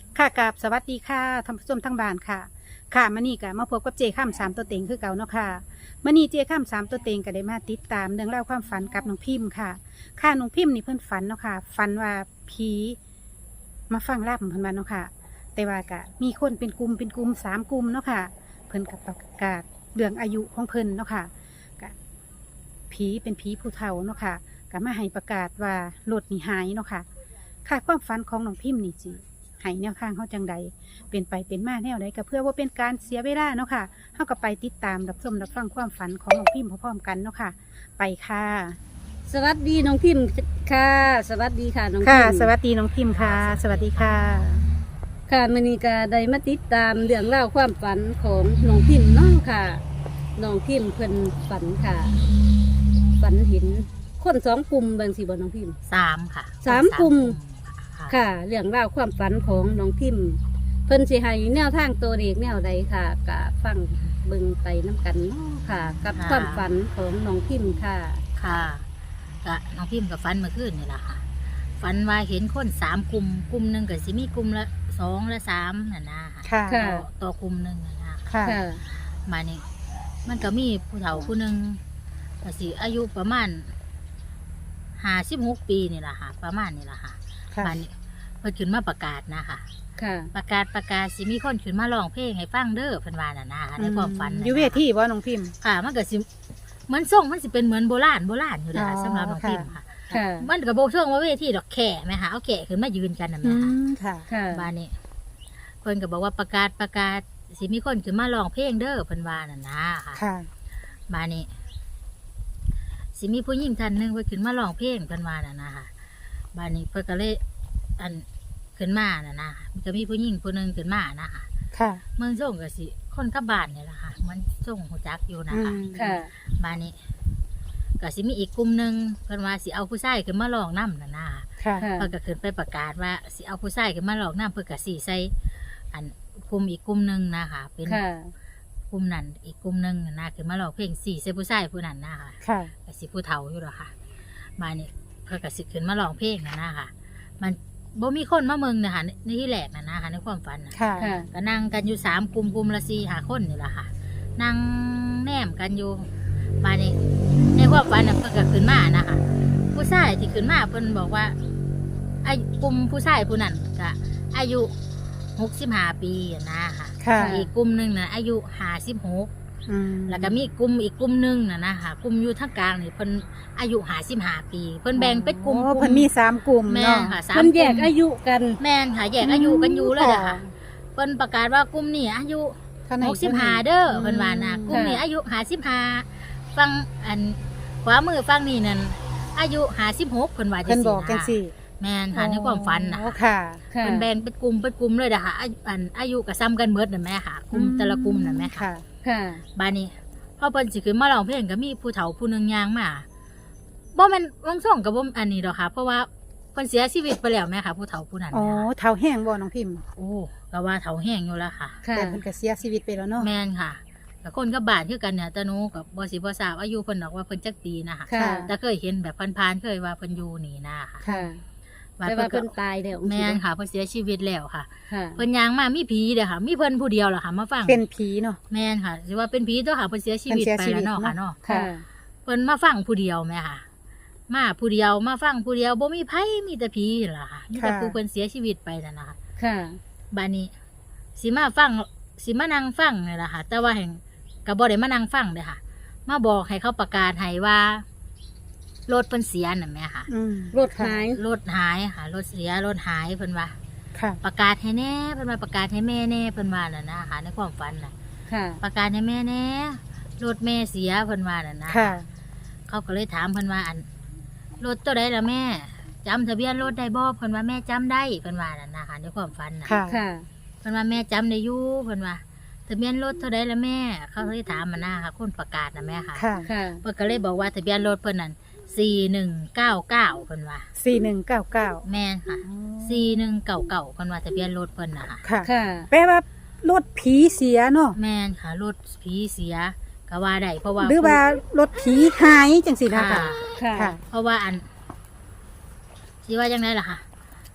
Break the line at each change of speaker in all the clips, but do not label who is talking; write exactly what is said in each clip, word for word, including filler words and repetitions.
ค่ะกับสวัสดีค่ะท่านผู้ชมทั้งบ้านค่ะค่ะมื่อนี้ก็มาพบกับเจข้ามสามตัวเต็งคือเก่าเนาะค่ะมื่อนี้เจข้ามสามตัวเต็งก็ได้มาติดตามเรื่องเล่าวความฝันกับน้องพิมพ์ค่ะค่ะน้องพิมพ์นี่เพิ่นฝันเนาะค่ะฝันว่าผีมาฟังลาบเพิ่นมาเนาะค่ะแต่ว่าก็มีคนเป็นกลุ่มเป็นกลุ่มสามกลุ่มเนาะค่ะเพิ่นกับประกาศเรื่องอายุของเพิ่นเนาะค่ะก็ผีเป็นผีผู้เฒ่าเนาะค่ะก็มาให้ประกาศว่ารถนี่หายเนาะค่ะค่ะความฝันของน้องพิมพ์นี่จีให้แนวทางเขาจังใดเป็นไปเป็นมาแนวใดก็เพื่อว่าเป็นการเสียเวลาเนาะค่ะเขาก็ไปติดตามรับชมรับฟังความฝันของน้องพิมพ์พร้อมๆกันเนาะค่ะไปค่ะ
สวัสดีน้องพิมพ์ค่ะ สวัสดีค่ะน้องพิ
ค่ะ
มพ์
สวัสดีน้องพิมพ์ค่ะ สวัสดีค่ะ
ค่ะมื้อนี้ก็ได้มาติดตามเรื่องราวความฝันของน้องพิมพ์เนาะค่ะน้องพิมพ์เพิ่นฝันค่ะ ฝันเห็นคนสองกลุ่มบางสิบ่น้องพิมพ์
สามค่ะ
สามกลุ่ม
ค่ะ
ค่ะ เรื่องราวความฝันของน้องพิมพ์ เพิ่นสิให้แนวทางตัวเลขแนวใดค่ะก็ฟังเบิ่งไปน้กันเนาะค่ะ กับความฝันของน้องพิมพ์ค่ะ
ค่ะก็น้องพิมพ์กับฟันเมื่อคืนนี่แหละค่ะฟันว่าเห็นคนสามกลุ่มกลุ่มหนึ่งก็สิมีกลุ่มละสองและสามน่ะนะ
ค่ะ
ค่ะ
ต่อต่อกลุ่มหนึ่งน่ะนะ
ค่ะ
ค่ะ
มานี่มันก็มีผู้เฒ่าผู้หนึ่งก็สิอายุประมาณห้าสิบหกปีนี่แหละค่ะ ประมาณนี่แหละค่ะ
ค่ะ
มานี่เพิ่นขึ้นมาประกาศนะคะ
ค่ะ
ประกาศประกาศสิมีคนขึ้นมาร้องเพลงให้ฟังเด้อเพิ่นว่าน่ะนะในความฝันน่ะนะ
อยู่เวทีว่าน้องพิมพ์
ค่ะมันก็สิเหมือนส่งมันสิเป็นเหมือนโบราณโบราณอยู่เลยค่ะ
อ๋อ
สำหรับน้องพิมพ์ค่ะ
ค่ะ
มันก็โบช่วงว่าเวทีดอกแข่ไหมคะเอาแข่ขึ้นมายืนกันนะ
อื
แม่ค่ะ
มค่ะ
ค่ะ
บ้านนี้เพิ่นก็บอกว่าประกาศประกาศสิมีคนขึ้นมาร้องเพลงเด้อเพิ่นว่าน่ะนะค่ะ
ค่ะ
บ้านนี้สิมีผู้หญิงท่านหนึงเพิ่นขึ้นมาร้องเพลงเพิ่นว่าน่ะนะค่ะบ้านนี้เพิ่นก็เลยอันขึ้นมาน่ะนะมันก็มีผู้หญิงผู้หนึงขึ้นมานะคะ
ค่ะ
เมืองส่งก็สิคนกับบ้านนี่แหละค่ะมันส่งหูจักอยู่นะคะ
อืม
ค่ะ
บ้านนี้ก็สิมีอีกกลุ่มหนึ่งเพิ่นว่าสิเอาผู้ชายขึ้นมาลองน้ำน่ะนะ
ค่ะ
ค่ะ
เพิ่นก็ขึ้นไปประกาศว่าสิเอาผู้ชายขึ้นมาลองน้ำเพิ่นก็สิใส่อันกลุ่มอีกกลุ่มหนึ่งนะคะเป็น
ค่ะ
กลุ่มนั้นอีกกลุ่มหนึ่งน่ะนะขึ้นมาลองเพลงสี่ใส่ผู้ชายผู้นั้นนะคะ
ค่ะ
ก็สิผู้เฒ่าอยู่หรอกค่ะบ้านนี้เพิ่นก็สิขึ้นมาลองเพลงน่ะนะคะมันบ่มีคนมาเมืองนะคะในที่แรกน่ะนะคะในความฝันน่ะ
ค่ะ
ค่ะ
ก็นั่งกันอยู่สามกลุ่มกลุ่มละสี่หาคนนี่แหละค่ะ นั่งแนมกันอยู่บ้านนี้ในความฝันน่ะเพิ่นก็ขึ้นมานะคะผู้ชายที่ขึ้นมาเพิ่นบอกว่าไอ้กลุ่มผู้ชายผู้นั้นก็อายุหกสิบห้าปีอะนะค่ะ
ค่ะ
อีกกลุ่มหนึ่งน่ะอายุห้าสิบหก
อืม
แล้วก็มีกลุ่มอีกกลุ่มหนึ่งน่ะนะคะกลุ่มอยู่ทางกลางนี่เพิ่นอายุห้าสิบห้าปี เพิ่นแบ่งเป็นกลุ่ม
โอ้เพิ่นมีสามกลุ่ม
แม่
เนาะ
นค่ะสาม
มัน
ก
แย
ลุ่
ก
ม
อายุกัน
แม่นค่ะแยกอายุกันอยู่เลยอะค่ะเพิ่นประกาศว่ากลุ่มนี้อายุ
เท่าไหร่
หกสิบห้าเด้อเพิ่นว่านะกลุ่มนี้อายุห้าสิบห้าฟังอันขวามือฟังนี่นั่นอายุห้าสิบหกเพิ่นว่าจั
เพิ่น
ง
บอกกัน
ซี่
สิ
นะแม่นค่ะในความฝันน่ะ
โอ้ค่ะ
ค่ะ
เพิ่นแบ่งเป็นกลุ่มเป็นกลุ่มเลยนะคะอายุอันอายุก็ซ้ำกันหมดนั่นแหม่ค่ะกลุ่ม
อืม
แต่ละกลุ่มนั่นแหม่ค่ะ
ค่ะ
ค่ะ
บ้านนี้พอเพิ่นสิขึ้นมาร้องเพลงก็มีผู้เฒ่าผู้หนึงย่างมาบ่แม่นวงส่งก็บ่อันนี้ดอกค่ะ เพราะว่าเพิ่นเสียชีวิตไปแล้วแม่ค่ะ ผู้เฒ่าผู้นั้น
อ๋อ
แม่ค่ะ
เท้าแห้งบ่น้องพิมพ์
โอ้ก็ว่าเฒ่าแห้งอยู่แล้วค่ะ
ค่ะ
แต่เพิ่นก็เสียชีวิตไปแล้วเนาะ
แม่นค่ะกับคนกับบ้านคือกันเนี่ยแต่หนูกับบ่สิบ่ทราบอายุเพิ่นดอกว่าเพิ่นจักปีนะคะ
ค่ะ
แต่เคยเห็นแบบผ่านๆเคยว่าเพิ่นอยู่นี่นะค่ะ
ค่ะ
ว่า
แต่ว่า
เพิ่
เพิ่
น
น
ก็
ตายแล้ว
แม่นค่ะเพิ่นเสียชีวิตแล้วค่ะ
ค่ะ
เพิ่นย่างมามีผีเด้อค่ะ มีเพิ่นผู้เดียวล่ะค่ะมาฟัง
เป็นผีเนาะ
แม่นค่ะสิว่าเป็นผีตัวค่ะเพิ่นเสียชีวิต
เพิ่น
ไป
เสียชีวิ
แล้ว
ต
เนาะค่ะเนาะ
ค่ะ
เพิ่นมาฟังผู้เดียวแม่ค่ะ มาผู้เดียวมาฟังผู้เดียวบ่มีไผมีแต่ผีนั่นล่ะค่ะมีแต่ผู้เพิ่นเสียชีวิตไปนั่นล่ะค่ะ
ค่ะ
บัดนี้สิมาฟังสิมานั่งฟังนี่ล่ะค่ะ แต่ว่าแห่งก็บ่ได้มานั่งฟังเด้อค่ะ มาบอกให้เขาประกาศให้ว่ารถเพิ่นเสียน่ะแม่ค่ะ
อืม
รถหาย
รถหายค่ะรถเสียรถหายเพิ่นว่า
ค่ะ
ประกาศให้แน่เพิ่นว่าประกาศให้แม่แน่เพิ่นว่าน่ะนะค่ะในความฝันน่ะ
ค่ะ
ประกาศให้แม่แน่รถแม่เสียเพิ่นว่าน่ะนะ
ค่ะ
เขาก็เลยถามเพิ่นว่าอันรถตัวใดล่ะแม่จำทะเบียนรถได้บ่เพิ่นว่าแม่จำได้เพิ่นว่าน่ะนะคะในความฝันน่ะ
ค่ะ
ค่ะ
เพิ่นว่าแม่จำได้อยู่เพิ่นว่าทะเบียนรถเท่าใดล่ะแม่ เขาเลยถามมานะค่ะคนประกาศน่ะแม่ค่ะ
ค่ะ
ค่ะ
เพิ่นก็เลยบอกว่าทะเบียนรถเพิ่นนั่นสี่หนึ่งเก้าเก้าเพิ่นว่า
สี่หนึ่งเก้าเก้า
แม่นค่ะสี่หนึ่งเก้าเก้าเพิ่นว่าทะเบียนรถเพิ่นน่ะค่ะ
ค่ะ
ค่ะ
แปลว่ารถผีเสียเนาะ
แม่นค่ะรถผีเสียก็ว่าได้เพราะว่า
หรือว่ารถผีหายจังสินะ
ค่ะ
คะ
ค่ะ
ค่ะ
เพราะว่าอันสิว่าจังไดล่ะค่ะ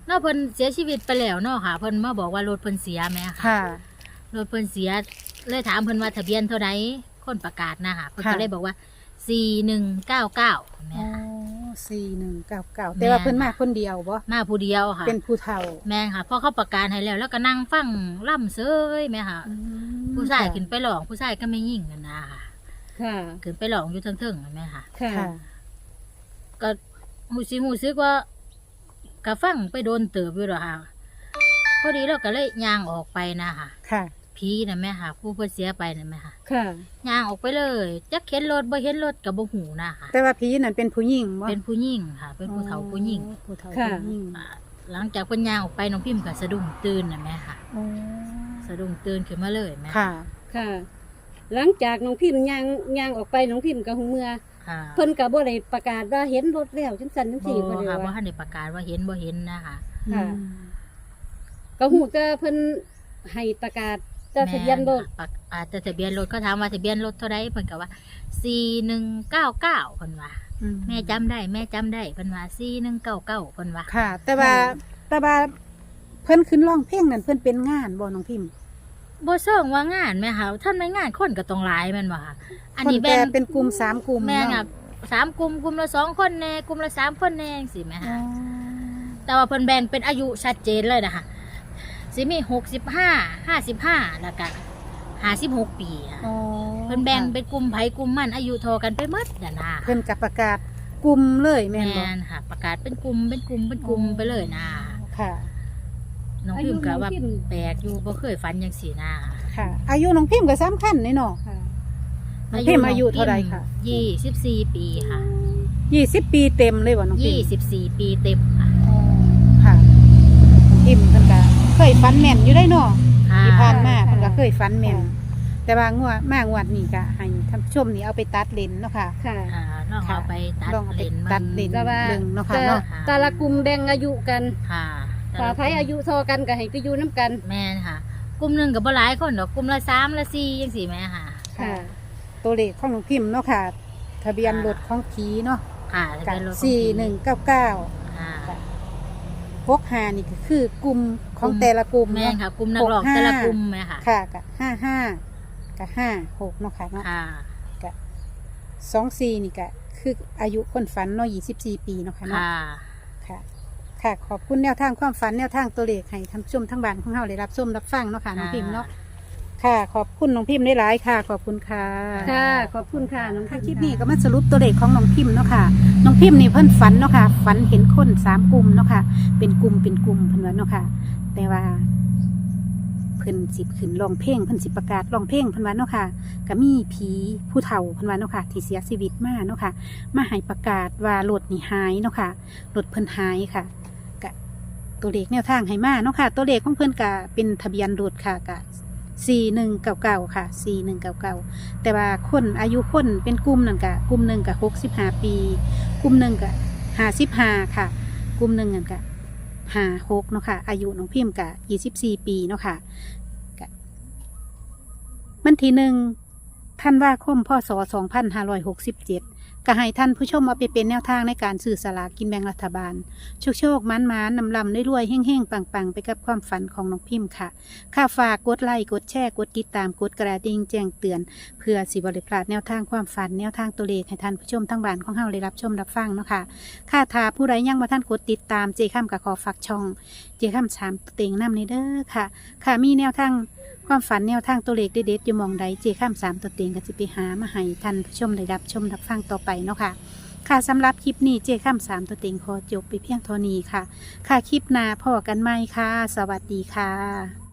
เนาะเพิ่นเสียชีวิตไปแล้วเนาะค่ะเพิ่นมาบอกว่ารถเพิ่นเสียแหม่ค่ะ
ค่ะ
รถเพิ่นเสียเลยถามเพิ่นว่าทะเบียนเท่าใดคนประกาศนะค่ะเพิ่น
ค่ะ
ก็เลยบอกว่าสี่หนึ่งเก้าเก้าแม่
อ๋อ
ค่ะ
สี่หนึ่งเก้าเก้าแต่ว่าเพิ่นมาคนเดียวบ่
มาผู้เดียวค่ะ
เป็นผู้เฒ่า
แม่ค่ะพอเขาประกาศให้แล้วแล้วก็นั่งฟังล่ำเซยแม่ค่ะ
อืม
ผู้ชาย
ค่ะ
ขึ้นไปหลองผู้ชายก็ไม่ยิ่งกันนะค่ะ
ค่ะ
ขึ้นไปหลองอยู่เทิงๆแม่ค่ะ
ค่ะ
ค่ะ
ก็หูสิหูซึกว่าก็ฟังไปโดนเติบอยู่หรอกค่ะพอดีเราก็เลยย่างออกไปนะค่ะ
ค่ะ
ผีนะแม่ค่ะ ผู้เพิ่นเสียไปนะแม่ค่ะ
ค่ะ
ย่างออกไปเลยจักเห็นรถบ่เห็นรถกับบ่หูนะค่ะ
แต่ว่าผีนั่นเป็นผู้หญิงบ่
เป็นผู้หญิงค่ะ เป็นผู้เฒ่าผู้หญิง
อ๋อผู้เฒ่า
ค่ะ
ผู้หญิง
อ่าหลังจากเพิ่นย่างออกไปน้องพิมพ์ก็สะดุ้งตื่นนะแม่ค่ะ
อ๋อ
สะดุ้งตื่นขึ้นมาเลยแม่
ค่ะ
ค่ะ หลังจากน้องพิมพ์ย่างย่างออกไปน้องพิมพ์กับหูเมื่อ
ค่ะ
เพิ่นก็บ่ได้ประกาศว่าเห็นรถแล้วจังซั่นจัง
บ่
ซี่บ่ได้
ค่ะบ่
ว่า
ทันได้ประกาศว่าเห็นบ่เห็นนะคะ
ค่ะ
อืม
ก็หูแต่เพิ่นให้ประกาศแต่ทะเบียนรถ
แม่ค่ะอาจจะทะเบียนรถเขาถามว่าทะเบียนรถเท่าใดเพิ่นก็ว่าสี่หนึ่งเก้าเก้าเพิ่นว่า
อื
แม่จำได้แม่จำได้เพิ่นว่าสี่หนึ่งเก้าเก้าเพิ่นว่า
ค่ะ แต่ว่าแต่ว่าเพิ่นขึ้นร้องเพลงนั่นเพิ่นเป็นงานบ่น้องพิมพ์
บ่ซ่องว่างานแม่ค่ะท่านไม่งานคนก็ต้องหลายแม่นบ่ค่ะอันนี้
ค
แบ่
แต่
ง
เป็นกลุ่มสามกลุ่ม
แม่
เนาะ
น่ะสามกลุ่มกลุ่มละสองคนแน่กลุ่มละสามคนแน่จังซี่แม่
อ๋อ
ค่ะแต่ว่าเพิ่นแบ่งเป็นอายุชัดเจนเลยนะคะสิมีหกสิบห้า ห้าสิบห้าแล้วก็ห้าสิบหกปีค่ะ
อ๋อ
เพิ่นแบ่งเป็นกลุ่มไผกลุ่มมันอายุเท่ากันไปหมดน่ะนะ
เพิ่นกับประกาศกลุ่มเลยแม่
แม่
นบ่
นค่ะ ประกาศเป็นกลุ่มเป็นกลุ่มเป็นกลุ่มไปเลยนะ
ค่ะ
น้องพิมพ์ก็ว่าแปลกอยู่บ่เคยฝันจังซี่นะ
ค่ะ อายุน้องพิมพ์ก็สำคัญนี่เนาะ
ค่ะ
น้องพิมพ์อายุเท่าใดคะ
ยี่สิบสี่ปีค่ะ
ยี่สิบปีเต็มเลยบ่น้องพิ
ยี่
มพ์
สิบสี่ปีเต็มค่ะ
อ๋อค่ะน้องพิมพ์เพิ่นก็เคยฝันแม่นอยู่ได้เนาะ
ค่ะ
ที่ผ่านมาเพิ่นก็เคยฝันแม่นแต่ว่างวดมางวดนี้ก็ให้ท่านผู้ชมนี่เอาไปตัดเลนเนาะค่ะ
ค่ะ
อ่าลองเอาไปตัด
ลองเอาไป
เลน
ตัดเลน
แต่ว่า
เบิ่งเนาะค่ะ
แต่
เนาะ
แต่ละกลุ่มแบ่งอายุกัน
ค่ะ
ถ้าไผอายุเท่ากันก็ให้ไปอยู่นํกัน
แม่นค่ะ กลุ่มหนึงก็บ่หลายคนดอกกลุ่มละสามละสี่จังซี่แม่ค่ะ
ค่ะ
ตัวเลขของน้องพิมพ์เนาะค่ะ ทะเบียนรถของผีเนาะ
ค่ะจะ
กั
เป็นรถของ
สี่หนึ่งเก้าเก้า
ค่ะ
พกหานี่ก็คือกลุ่มของแต่ละกลุ่ม
แม่น
เนาะ
ค่ะกลุ่มนักร้อง
หกห้า
แต่ละกลุ่มแม่ค่ะ
ค่ะกับห้าห้ากับห้าหกเนาะค่ะเนาะ
ค่ะ
กับสองสี่นี่ก็คืออายุคนฝันเนาะยี่สิบสี่ปีเนาะค่ะเนาะ
ค่ะ
ค่ะ ค่ะ ขอบคุณแนวทางความฝันแนวทางตัวเลขให้ท่านผู้ชมทั้งบ้านของเราได้รับชมรับฟังเนาะค่ะน้องพิมพ์เนาะค่ะ ขอบคุณน้องพิมพ์ได้หลายค่ะ ขอบคุณค่ะ
ค่ะ ขอบคุณค่ะน้อง
ค่ะค
พิ
ลิ
ม
ป
พ์
นี้ก็มาสรุปตัวเลขของน้องพิมพ์เนาะค่ะ น้องพิมพ์นี่เพิ่นฝันเนาะค่ะ ฝันเห็นคนสามกลุ่มเนาะค่ะ เป็นกลุ่มเป็นกลุ่มเพิ่นว่าเนาะค่ะ แต่ว่า เพิ่นสิขึ้นร้องเพลงเพิ่นสิประกาศร้องเพลงเพิ่นว่าเนาะค่ะก็มีผีผู้เฒ่าเพิ่นว่าเนาะค่ะ ที่เสียชีวิตมาเนาะค่ะ มาให้ประกาศว่ารถนี่หายเนาะค่ะรถเพิ่นหายค่ะก็ตัวเลขแนวทางให้มาเนาะค่ะ ตัวเลขของเพิ่นก็เป็นทะเบียนรถค่ะก็สี่หนึ่งเก้าเก้าค่ะสี่หนึ่งเก้าเก้าแต่ว่าคนอายุคนเป็นกลุ่มนั่นก็กลุ่มหนึ่งก็หกสิบห้าปี กลุ่มหนึ่งก็ห้าสิบห้าค่ะ กลุ่มหนึ่งนั่นก็ห้าหกเนาะค่ะ อายุน้องพิมพ์ก็ยี่สิบสี่ปีเนาะค่ะก็มันทีหนึ่งธันวาคมพศสองพันห้าร้อยหกสิบเจ็ดก็ให้ท่านผู้ชมเอาไปเป็นแนวทางในการสื่อสลากกินแบ่งรัฐบาล โชคโชคมันมันนำลำได้รวยๆเฮ่งเฮ่งปังปังไปกับความฝันของน้องพิมพ์ค่ะค่าฝากกดไลค์กดแชร์กดติดตามกดกระดิ่งแจ้งเตือน เพื่อสิบริพลาดแนวทางความฝันแนวทางตัวเลขให้ท่านผู้ชมทั้งบ้านของเฮาได้รับชมรับฟังเนาะค่ะค่าทาผู้ใดยังมาท่านกดติดตามเจข้ามกับขอฝากช่อง เจข้ามสามเต็งน้ำในเด้อค่ะ ค่ะมีแนวทางความฝันแนวทางตัวเลขเด็ดๆอยู่หมองใดเจข้ามสามตัวเต็งก็จะไปหามาให้ท่านผู้ชมได้รับชมรับฟังต่อไปเนาะค่ะ ค่ะสำหรับคลิปนี้เจข้ามสามตัวเต็งขอจบไปเพียงเท่านี้ค่ะ ค่ะคลิปหน้าพอกันไหมค่ะ สวัสดีค่ะ